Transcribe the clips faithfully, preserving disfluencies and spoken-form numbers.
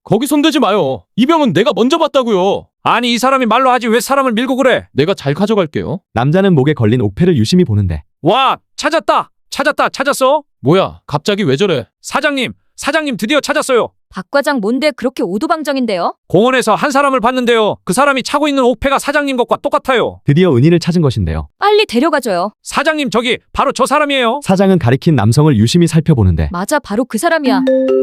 거기 손대지 마요. 이 병은 내가 먼저 봤다고요. 아니 이 사람이 말로 하지 왜 사람을 밀고 그래? 내가 잘 가져갈게요. 남자는 목에 걸린 옥패를 유심히 보는데 와, 찾았다. 찾았다. 찾았어? 뭐야, 갑자기 왜 저래? 사장님, 사장님 드디어 찾았어요. 박 과장 뭔데 그렇게 오두방정인데요? 공원에서 한 사람을 봤는데요. 그 사람이 차고 있는 옥패가 사장님 것과 똑같아요. 드디어 은인을 찾은 것인데요. 빨리 데려가줘요. 사장님 저기 바로 저 사람이에요. 사장은 가리킨 남성을 유심히 살펴보는데 맞아, 바로 그 사람이야.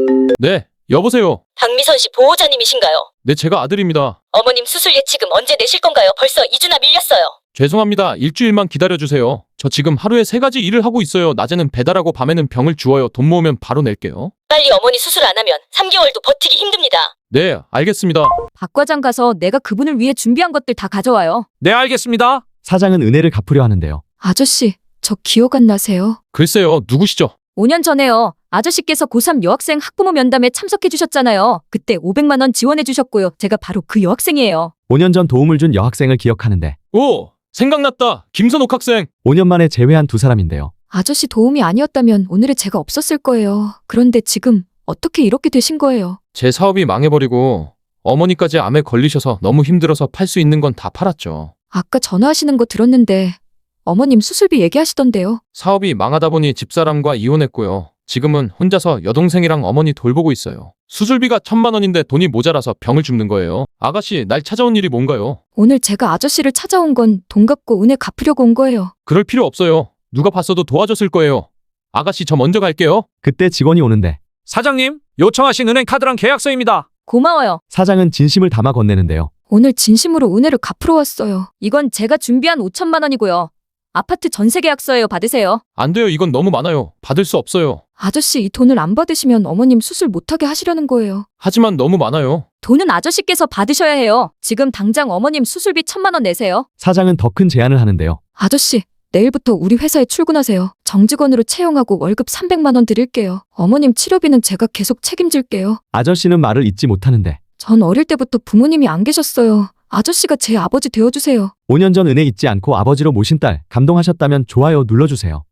네, 여보세요. 박미선 씨 보호자님이신가요? 네, 제가 아들입니다. 어머님 수술 예치금 언제 내실 건가요? 벌써 이 주나 밀렸어요. 죄송합니다. 일주일만 기다려주세요. 저 지금 하루에 세 가지 일을 하고 있어요. 낮에는 배달하고 밤에는 병을 주워요. 돈 모으면 바로 낼게요. 빨리 어머니 수술 안 하면 삼 개월도 버티기 힘듭니다. 네, 알겠습니다. 박 과장 가서 내가 그분을 위해 준비한 것들 다 가져와요. 네, 알겠습니다. 사장은 은혜를 갚으려 하는데요. 아저씨, 저 기억 안 나세요? 글쎄요, 누구시죠? 오 년 전에요. 아저씨께서 고삼 여학생 학부모 면담에 참석해 주셨잖아요. 그때 오백만 원 지원해 주셨고요. 제가 바로 그 여학생이에요. 오 년 전 도움을 준 여학생을 기억하는데 오, 생각났다. 김선옥 학생. 오 년 만에 재회한 두 사람인데요. 아저씨 도움이 아니었다면 오늘의 제가 없었을 거예요. 그런데 지금 어떻게 이렇게 되신 거예요? 제 사업이 망해버리고 어머니까지 암에 걸리셔서 너무 힘들어서 팔 수 있는 건 다 팔았죠. 아까 전화하시는 거 들었는데 어머님 수술비 얘기하시던데요. 사업이 망하다 보니 집사람과 이혼했고요. 지금은 혼자서 여동생이랑 어머니 돌보고 있어요. 수술비가 천만 원인데 돈이 모자라서 병을 줍는 거예요. 아가씨, 날 찾아온 일이 뭔가요? 오늘 제가 아저씨를 찾아온 건 돈 갚고 은혜 갚으려고 온 거예요. 그럴 필요 없어요. 누가 봤어도 도와줬을 거예요. 아가씨, 저 먼저 갈게요. 그때 직원이 오는데 사장님, 요청하신 은행 카드랑 계약서입니다. 고마워요. 사장은 진심을 담아 건네는데요. 오늘 진심으로 은혜를 갚으러 왔어요. 이건 제가 준비한 오천만 원이고요. 아파트 전세 계약서예요. 받으세요. 안 돼요. 이건 너무 많아요. 받을 수 없어요. 아저씨 이 돈을 안 받으시면 어머님 수술 못하게 하시려는 거예요. 하지만 너무 많아요. 돈은 아저씨께서 받으셔야 해요. 지금 당장 어머님 수술비 천만 원 내세요. 사장은 더 큰 제안을 하는데요. 아저씨, 내일부터 우리 회사에 출근하세요. 정직원으로 채용하고 월급 삼백만 원 드릴게요. 어머님 치료비는 제가 계속 책임질게요. 아저씨는 말을 잇지 못하는데 전 어릴 때부터 부모님이 안 계셨어요. 아저씨가 제 아버지 되어주세요. 오 년 전 은혜 잊지 않고 아버지로 모신 딸 감동하셨다면 좋아요 눌러주세요.